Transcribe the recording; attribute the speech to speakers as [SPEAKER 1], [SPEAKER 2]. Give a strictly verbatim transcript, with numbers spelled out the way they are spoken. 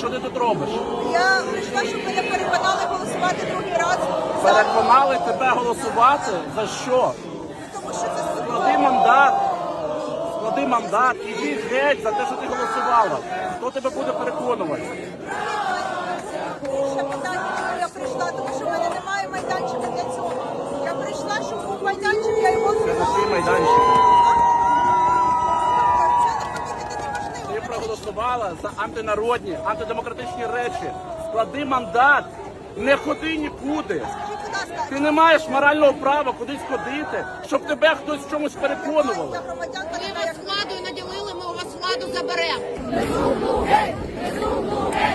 [SPEAKER 1] Що ти тут робиш?
[SPEAKER 2] Я прийшла, щоб мене переконали голосувати другий раз. за-
[SPEAKER 1] Переконали тебе голосувати? За що?
[SPEAKER 2] Тому що це
[SPEAKER 1] Склади мандат. Склади мандат. Іди геть за те, що ти голосувала. Хто тебе буде переконувати?
[SPEAKER 2] ще питання, чому я прийшла, тому що в мене немає майданчика для цього. Я прийшла, щоб був майданчик, я його
[SPEAKER 1] Це
[SPEAKER 2] зробила.
[SPEAKER 1] твій майданчик.
[SPEAKER 2] Це неможливо.
[SPEAKER 1] Ти проголосувала за антинародні, антидемократичні речі. Склади мандат. Не ходи нікуди.
[SPEAKER 2] Скажіть, будь ласка,
[SPEAKER 1] Ти не маєш морального права кудись ходити, щоб тебе хтось в чомусь переконував.
[SPEAKER 2] я громадянка,
[SPEAKER 3] Ви
[SPEAKER 2] така,
[SPEAKER 3] вас
[SPEAKER 2] як
[SPEAKER 3] владою наділили, ми у вас владу заберемо.
[SPEAKER 4] Безумну геть! Безумну геть!